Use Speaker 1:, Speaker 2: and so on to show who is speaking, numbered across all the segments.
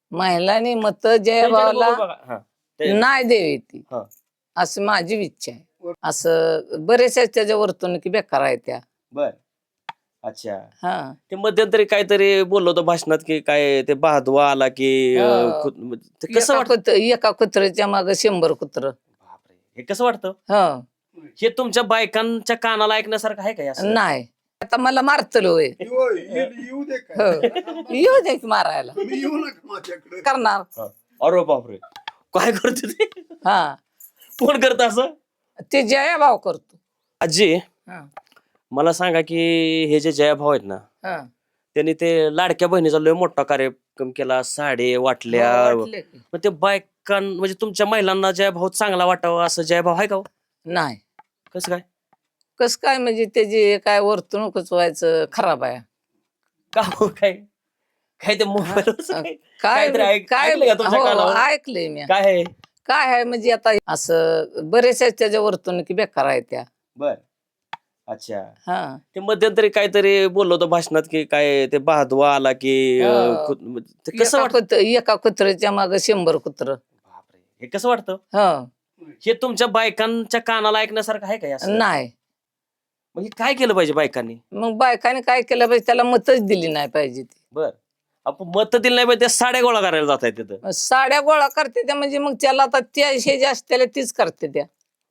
Speaker 1: महिलांनी मत
Speaker 2: त्यांच्याकडे
Speaker 1: जयभावला
Speaker 2: बघू बघा. हा. ते-
Speaker 1: नाही द्यावी ती
Speaker 2: हा.
Speaker 1: असं माझी इच्छा आहे. असं बरेचशा त्याच्या वर्तणुकी बेकार आहे त्या.
Speaker 2: बर. अच्छा.
Speaker 1: हा
Speaker 2: ते मध्यंतरी काहीतरी बोललो होतो भाषणात की काय ते बहादवा आला की ते कसं वाटतं?
Speaker 1: एका कुत्र्याच्या माग 100 कुत्र.
Speaker 2: बापरे, हे कसं वाटतं?
Speaker 1: ह
Speaker 2: हे तुमच्या बायकांच्या कानाला ऐकण्यासारखं आहे का असं?
Speaker 1: नाही आता मला मारतल होय.
Speaker 3: येऊ दे
Speaker 1: हो. येऊ दे की मारायला
Speaker 3: तुम्ही येऊ नका माझ्याकडे.
Speaker 1: करणार.
Speaker 2: हा. अरे बापरे, काय करते ते?
Speaker 1: हा
Speaker 2: कोण करत असं?
Speaker 1: ते जया भाव करतो.
Speaker 2: आजी,
Speaker 1: हा
Speaker 2: मला सांगा की हे जे जयाभाऊ आहेत ना,
Speaker 1: हा
Speaker 2: त्यांनी ते लाडक्या बहिणीचा लय मोठा कार्यक्रम केला, साडे वाटल्या.
Speaker 1: हो, वाटले की.
Speaker 2: मग ते बायकां म्हणजे तुमच्या महिलांना जयभाऊ चांगला वाटावा असं जयभाऊ आहे का हो?
Speaker 1: नाही
Speaker 2: कसं काय?
Speaker 1: कस काय म्हणजे त्याची काय वर्तणूकच व्हायचं खराब आहे.
Speaker 2: का हो? काय काय ते मोबाईल
Speaker 1: काय
Speaker 2: काहीतरी
Speaker 1: काय
Speaker 2: ऐकलंय का तुमच्या
Speaker 1: हो,
Speaker 2: कानावर?
Speaker 1: ऐकलंय मी.
Speaker 2: काय आहे?
Speaker 1: काय आहे म्हणजे आता असं बरेचशा त्याच्या वर्तणुकी बेकार आहे त्या.
Speaker 2: बर. अच्छा.
Speaker 1: हा
Speaker 2: ते मध्यंतरी काहीतरी बोललो होतो भाषणात की काय ते बहादवा आला की ते कसं वाटतं?
Speaker 1: एका कुत्र्याच्या माग 100 कुत्र.
Speaker 2: बापरे, हे कसं वाटतं?
Speaker 1: ह
Speaker 2: हे तुमच्या बायकांच्या कानाला ऐकण्यासारखं आहे का असं?
Speaker 1: नाही
Speaker 2: म्हणजे काय केलं पाहिजे बायकांनी?
Speaker 1: मग बायकाने काय केलं पाहिजे त्याला मतच दिली नाही पाहिजे ती.
Speaker 2: बर. आपण मत दिलं नाही पाहिजे, त्या साड्या गोळा करायला जात आहे तिथं.
Speaker 1: मग साड्या गोळा करते त्या म्हणजे मग त्याला आता त्या हे जे असते त्याला तीच करते त्या.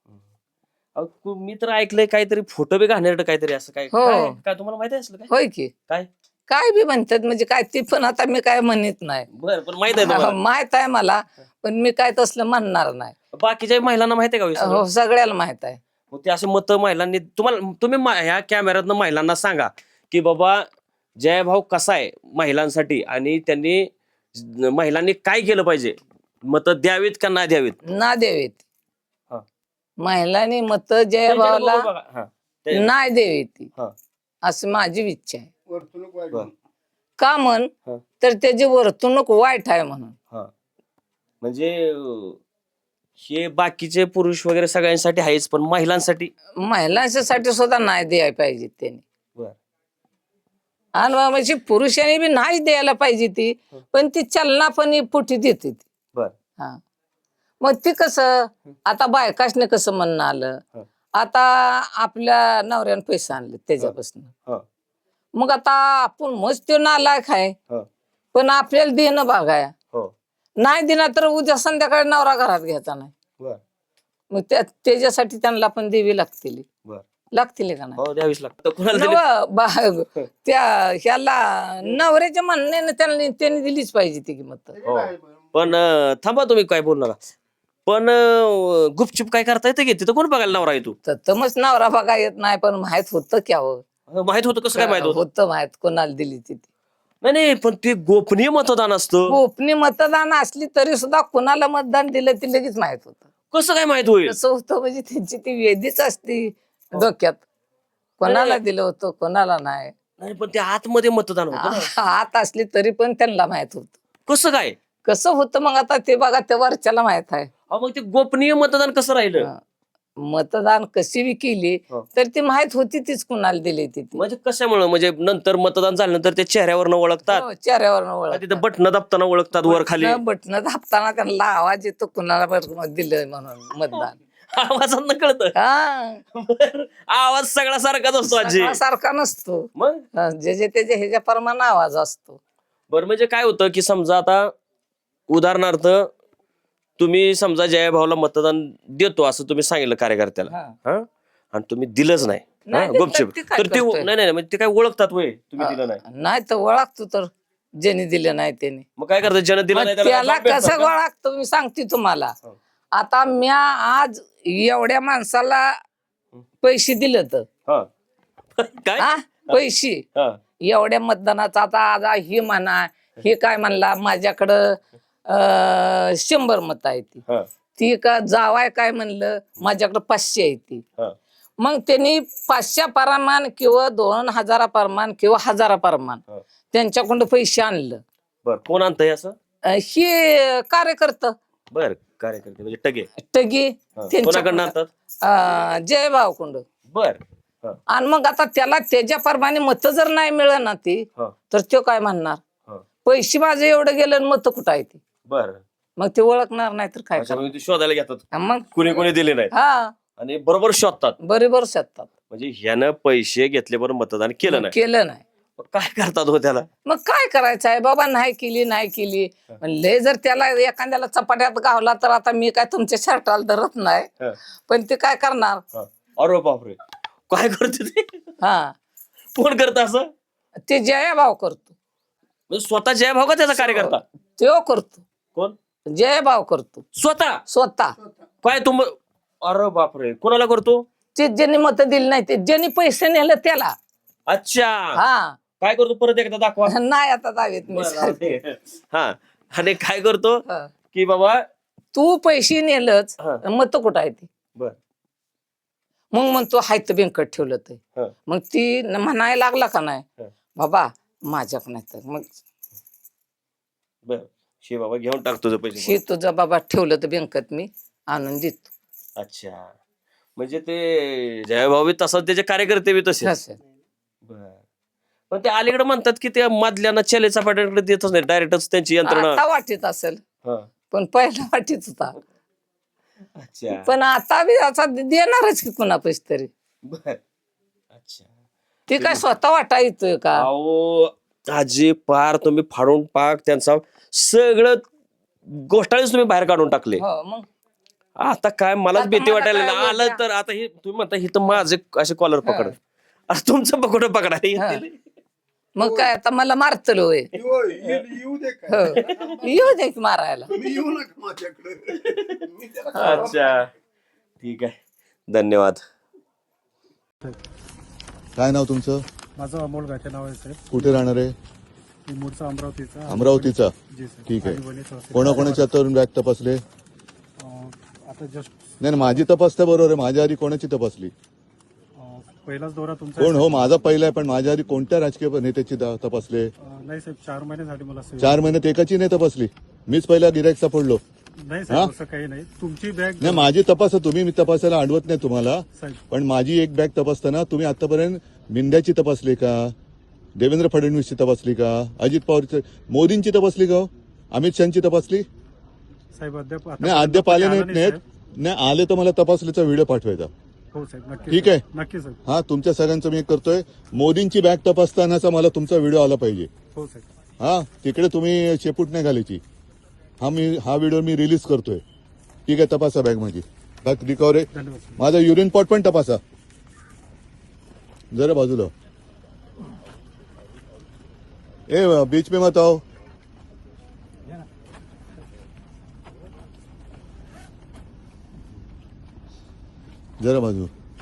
Speaker 2: अहो, मी तर ऐकलंय काहीतरी फोटो बी घाणेरडं काहीतरी असं काय
Speaker 1: हो.
Speaker 2: काय काय तुम्हाला माहिती असलं काय?
Speaker 1: होय की
Speaker 2: काय?
Speaker 1: काय बी म्हणतात म्हणजे काय ती पण आता मी काय म्हणत नाही.
Speaker 2: बर, पण माहित आहे तुम्हाला?
Speaker 1: माहित आहे मला पण मी काय तसलं म्हणणार नाही.
Speaker 2: बाकीच्या महिलांना माहिती आहे का हे सगळं?
Speaker 1: हो सगळ्याला माहित आहे.
Speaker 2: मग ते असे मत महिलांनी तुम्ही ह्या कॅमेऱ्यातनं महिलांना सांगा की बाबा जयभाऊ कसा आहे महिलांसाठी आणि महिलांनी काय केलं पाहिजे, मत द्यावीत का नाही द्यावीत?
Speaker 1: ना द्यावीत.
Speaker 2: हा.
Speaker 1: महिलांनी मत
Speaker 2: त्यांच्याकडे
Speaker 1: जयभावला
Speaker 2: बघू बघा. हा. ते-
Speaker 1: नाही द्यावी ती
Speaker 2: हा.
Speaker 1: असं माझी इच्छा आहे.
Speaker 3: वर्तणूक वाईट
Speaker 2: बर.
Speaker 3: म्हणून.
Speaker 1: का म्हण
Speaker 2: हा.
Speaker 1: तर त्याची वर्तणूक वाईट आहे म्हणून.
Speaker 2: हा. म्हणजे हे बाकीचे पुरुष वगैरे सगळ्यांसाठी आहेच, पण महिलांसाठी
Speaker 1: महिलांसाठी सुद्धा नाही द्यायला पाहिजे त्यांनी.
Speaker 2: बर.
Speaker 1: आणि म्हणजे पुरुषांनी बी नाही द्यायला पाहिजे ती पण ती चलना पण पुठी देते ती.
Speaker 2: बर.
Speaker 1: हा मग ती कसं आता बायकाशने कसं म्हणणं आलं.
Speaker 2: हा.
Speaker 1: आता आपल्या नवऱ्यानं पैसे आणले त्याच्यापासून
Speaker 2: हा.
Speaker 1: मग आता आपण मस्त तो नालायक आहे
Speaker 2: हा.
Speaker 1: पण आपल्याला देणं बघाय
Speaker 2: हो.
Speaker 1: नाही दिना तर उद्या संध्याकाळी नवरा घरात घ्यायचा नाही.
Speaker 2: बर.
Speaker 1: मग त्याच्यासाठी त्यांना पण देवी लागतील.
Speaker 2: बर.
Speaker 1: लागतील का नाही?
Speaker 2: हो, द्यावीच लागतं. कुणाला दिली?
Speaker 1: त्या ह्याला नवऱ्याच्या म्हणण्याने त्यांनी दिलीच पाहिजे ती किंमत.
Speaker 2: हो. पण थांबा, तुम्ही काय बोलू नका. पण गुपचूप काय करता येतं की तिथं कोण बघायला नवरा येतो?
Speaker 1: तर मग नवरा बघा येत नाही पण माहित होतं क्या हो.
Speaker 2: माहित होतं? कसं काय माहित होतं?
Speaker 1: होतं माहित कोणाला दिली ती.
Speaker 2: नाही नाही, पण ते गोपनीय मतदान असतं.
Speaker 1: गोपनीय मतदान असली तरी सुद्धा कोणाला मतदान दिलं ती लगेच माहित होतं.
Speaker 2: कसं काय माहित होईल?
Speaker 1: कसं होतं म्हणजे त्यांची ती वेदीच असती डोक्यात. कोणाला दिलं होतं कोणाला नाही.
Speaker 2: नाही, पण ते आतमध्ये मतदान होतं ना.
Speaker 1: आत असली तरी पण त्यांना माहित होत.
Speaker 2: कसं काय?
Speaker 1: कसं होतं मग आता ते बघा त्या वरच्याला माहित आहे.
Speaker 2: अहो, मग ते गोपनीय मतदान कसं राहिलं?
Speaker 1: मतदान कशी बी केली
Speaker 2: हा.
Speaker 1: तर ती माहित होती तीच कुणाला दिली ती.
Speaker 2: म्हणजे कशामुळे? म्हणजे नंतर मतदान झाल्यानंतर ते चेहऱ्यावरनं ओळखतात,
Speaker 1: चेहऱ्यावर
Speaker 2: तिथं बटन दाबताना ओळखतात वर खाली.
Speaker 1: बटन दाबताना त्यांना आवाज येतो कुणाला दिलं म्हणून मतदान.
Speaker 2: आवाजात कळतं.
Speaker 1: हा
Speaker 2: बरं. आवाज सगळा सारखाच असतो आजी.
Speaker 1: सारखा नसतो.
Speaker 2: मग
Speaker 1: जे त्याच्या ह्याच्या प्रमाणे आवाज असतो.
Speaker 2: बरं, म्हणजे काय होतं की समजा आता उदाहरणार्थ तुम्ही समजा जयभाऊला मतदान देतो असं तुम्ही सांगितलं कार्यकर्त्याला,
Speaker 1: हा.
Speaker 2: हा, आणि तुम्ही दिलंच नाही,
Speaker 1: नाही
Speaker 2: हा,
Speaker 1: दिलं
Speaker 2: गुपचूप,
Speaker 1: तर ते काय
Speaker 2: तर ते
Speaker 1: करतोय?
Speaker 2: नाही नाही म्हणजे ते काय ओळखतात वय तुम्ही दिलं नाही?
Speaker 1: नाही तर ओळखतो तर ज्याने दिलं नाही त्याने.
Speaker 2: मग काय करतात? ज्यानं दिलं नाही
Speaker 1: त्याला
Speaker 2: त्याला भेटतात
Speaker 1: कसं
Speaker 2: का?
Speaker 1: ओळखतो मी सांगते तुम्हाला.
Speaker 2: हो.
Speaker 1: आता म्या आज एवढ्या माणसाला पैसे दिले तर
Speaker 2: हा. काय?
Speaker 1: हा पैसे
Speaker 2: हा.
Speaker 1: एवढ्या मतदानाचा आता आज ही म्हणा हे काय म्हणला माझ्याकडं 100 मत आहे ती.
Speaker 2: हा.
Speaker 1: ती का जावाय काय म्हणलं माझ्याकडं 500 आहे ती.
Speaker 2: हा.
Speaker 1: मग त्यांनी 500 परमान किंवा 2000 परमान किंवा 1000 परमान
Speaker 2: हा.
Speaker 1: त्यांच्याकडून पैसे आणलं.
Speaker 2: बर, कोण आणतंय असं?
Speaker 1: हे कार्यकर्ता
Speaker 2: बर, कार्यकर्ते म्हणजे टगे.
Speaker 1: टगी
Speaker 2: हा. कोणाकडनं आणतात?
Speaker 1: जयभाव कुंड.
Speaker 2: बर. हा.
Speaker 1: आणि मग आता त्याला त्याच्या परमाने मत जर नाही मिळणार ती
Speaker 2: हा.
Speaker 1: तर तो काय म्हणणार
Speaker 2: हा.
Speaker 1: पैसे माझे एवढं गेलं आणि मत कुठं आहे ते
Speaker 2: बर
Speaker 1: मग ते ओळखणार नाही तर काय
Speaker 2: अच्छा
Speaker 1: करणार?
Speaker 2: म्हणजे ते शोधायला घेतात
Speaker 1: मग
Speaker 2: कुणी कुणी दिले नाही
Speaker 1: हा
Speaker 2: आणि बरोबर शोधतात
Speaker 1: बरोबर शकतात
Speaker 2: म्हणजे ह्यानं पैसे घेतले बरोबर मतदान केलं नाही
Speaker 1: केलं नाही
Speaker 2: मग काय करतात हो त्याला
Speaker 1: मग काय करायचं आहे बाबा नाही केली लय जर त्याला एखाद्याला चपाट्यात गावला तर आता मी काय तुमच्या शर्टाला धरत नाही
Speaker 2: हा.
Speaker 1: पण ते काय करणार
Speaker 2: हा. अरे बापरे काय करते ते
Speaker 1: हा
Speaker 2: कोण करत असं
Speaker 1: ते जया भाव करतो
Speaker 2: म्हणजे स्वतः जय भाऊ का त्याचा कार्यकर्ता
Speaker 1: तो करतो
Speaker 2: कोण
Speaker 1: जय भाव करतो
Speaker 2: स्वतः
Speaker 1: स्वतः
Speaker 2: काय तुम अरे बापरे कोणाला करतो
Speaker 1: ते ज्यांनी मत दिली नाही ते ज्यांनी पैसे नेले त्याला
Speaker 2: अच्छा
Speaker 1: हा
Speaker 2: काय करतो परत एकदा दाखवा
Speaker 1: नाही आता दावेत मी सारखे.
Speaker 2: हा आणि काय करतो
Speaker 1: हा.
Speaker 2: की बाबा
Speaker 1: तू पैसे नेलच
Speaker 2: हा.
Speaker 1: मत कुठं आहे ती
Speaker 2: बर
Speaker 1: मग म्हणतो हायत बँकेत ठेवलं ते
Speaker 2: हा.
Speaker 1: मग ती म्हणायला लागला का नाही
Speaker 2: हा.
Speaker 1: बाबा माझ्याक नाही तर मग
Speaker 2: बर शे बाबा घेऊन टाक तुझं पैसे
Speaker 1: हे तुझं बाबा ठेवलं तर बँकेत मी आणून देतो
Speaker 2: अच्छा म्हणजे ते जयभाऊ बी तसंच त्याचे कार्यकर्ते बी तसे
Speaker 1: असं.
Speaker 2: बर पण ते अलीकडे म्हणतात की त्या मधल्याना चले चपाट्याकडे देतच नाही डायरेक्टच त्यांची यंत्रणा
Speaker 1: आता वाटीत असेल
Speaker 2: हा.
Speaker 1: पण पहिला वाटीत होता
Speaker 2: अच्छा
Speaker 1: पण आता बी असा देणारच की कुणा पैसे तरी
Speaker 2: बर अच्छा
Speaker 1: ते काय स्वतः वाटा येतोय का
Speaker 2: अहो आजी पार तुम्ही फाडून पाक त्यांचा सगळं गोष्टाळीच तुम्ही बाहेर काढून टाकले
Speaker 1: हो मग
Speaker 2: आता काय मलाच
Speaker 1: आता
Speaker 2: भीती
Speaker 1: मला
Speaker 2: वाटायला
Speaker 1: काय
Speaker 2: लागली. आलं
Speaker 1: वाटतं?
Speaker 2: तर आता हे तुम्ही म्हणता हे तर माझे असे कॉलर पकड आता तुमचं पकड पकडा
Speaker 1: मग काय आता मला मारतलो होय
Speaker 3: येऊ दे
Speaker 1: हो.
Speaker 3: काय
Speaker 1: येऊ दे की मारायला
Speaker 3: तुम्ही येऊ नका माझ्याकडे मी त्याला
Speaker 2: अच्छा ठीक आहे धन्यवाद
Speaker 4: काय नाव तुमचं
Speaker 5: माझं अमोल गाठे नाव आहे साहेब
Speaker 4: कुठे राहणार आहे
Speaker 5: मी मूळचा अमरावतीचा
Speaker 4: अमरावतीचा
Speaker 5: जी सर
Speaker 4: ठीक आहे.
Speaker 5: आणि वणी तहसील.
Speaker 4: कोणाकोणाच्या तरुण बॅग तपासले
Speaker 5: आता जस्ट
Speaker 4: नाही नाही, माझी तपासता बरोबर आहे माझ्या आधी कोणाची तपासली
Speaker 5: पहिलाच दौरा तुमचा
Speaker 4: कोण हो माझा पहिला आहे पण माझ्या आधी कोणत्या राजकीय नेत्याची तपासले
Speaker 5: नाही साहेब 4 महिने झाले मला सेवा.
Speaker 4: 4 महिन्यात एकाची नाही तपासली मीच पहिला गिरायक सापडलो
Speaker 5: नाही साहेब असं काही नाही तुमची बॅग
Speaker 4: नाही माझी तपासा तुम्ही मी तपासायला अडवत नाही तुम्हाला
Speaker 5: साहेब
Speaker 4: पण माझी एक बॅग तपासताना तुम्ही आतापर्यंत मिंद्याची तपासली का देवेंद्र फडणवीसची तपासली का अजित पवारची मोदींची तपासली का हो? अमित शहाची तपासली
Speaker 5: साहेब अद्याप
Speaker 4: नाही अद्याप आले
Speaker 5: आला
Speaker 4: नाहीत
Speaker 5: नाही,
Speaker 4: नाही आले तर मला तपासलीचा व्हिडिओ पाठवायचा
Speaker 5: हो साहेब नक्की
Speaker 4: ठीक
Speaker 5: साहेब.
Speaker 4: आहे.
Speaker 5: नक्की साहेब
Speaker 4: हा तुमच्या सगळ्यांचं मी एक करतोय मोदींची बॅग तपासतानाचा मला तुमचा व्हिडिओ आला पाहिजे
Speaker 5: हो साहेब
Speaker 4: हा तिकडे तुम्ही शेपूट नाही घालायची हा व्हिडिओ मी रिलीज करतोय ठीक आहे तपासा बॅग माझी बॅग रिकव्हरी
Speaker 5: धन्यवाद साहेब.
Speaker 4: माझा युरिन पॉट पण तपासा जरा बाजूला ए बीच में मत आओ जरा बाजू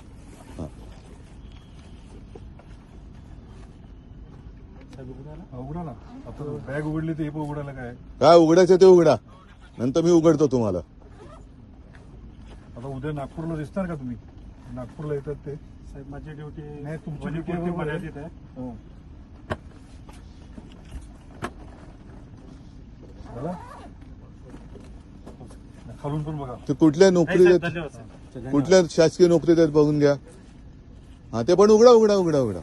Speaker 5: उघडा ना आता बॅग उघडली तर हे पण उघडायला काय
Speaker 4: काय उघडायचं ते उघडा नंतर मी उघडतो तुम्हाला
Speaker 5: आता उद्या नागपूरला दिसणार का तुम्ही नागपूरला येतात ते साहेब माझी ड्युटी नाही तुमची ड्युटी मर्यादित आहे खालून पण बघा
Speaker 4: ते कुठल्या नोकरी देत
Speaker 5: धन्यवाद साहेब
Speaker 4: कुठल्या शासकीय नोकरी देत बघून घ्या हा ते पण उघडा उघडा उघडा उघडा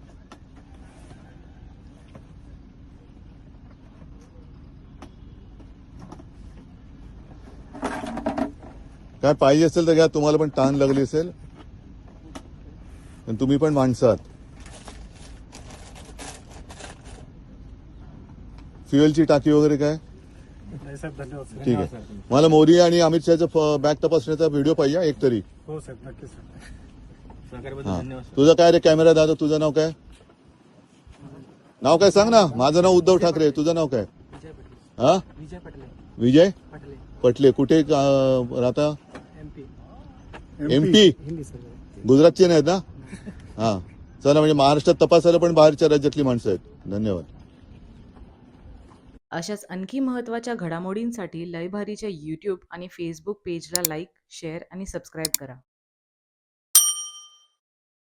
Speaker 4: काय पाहिजे असेल तर घ्या तुम्हाला पण ताण लागली असेल पण तुम्ही पण माणसात फ्युएलची टाकी वगैरे काय
Speaker 5: नाही साहेब धन्यवाद साहेब.
Speaker 4: ठीक आहे मला मोदी आणि अमित शहाचा बॅग तपासण्याचा व्हिडिओ पाहिजे एक तरी
Speaker 5: हो साहेब नक्की साहेब
Speaker 4: हा. तुझं काय रे कॅमेरा दादा तुझं नाव काय नाव काय सांग ना माझं नाव उद्धव ठाकरे तुझं नाव काय हा विजय पटले कुठे राहता एमपी गुजरातचे नाहीत ना हा चला म्हणजे महाराष्ट्रात तपासायला पण बाहेरच्या राज्यातली माणसं आहेत धन्यवाद
Speaker 6: अशाच आणखी महत्त्वाच्या घडामोडींसाठी लयभारीच्या यूट्यूब आणि फेसबुक पेजला लाईक, शेअर आणि सबस्क्राईब करा.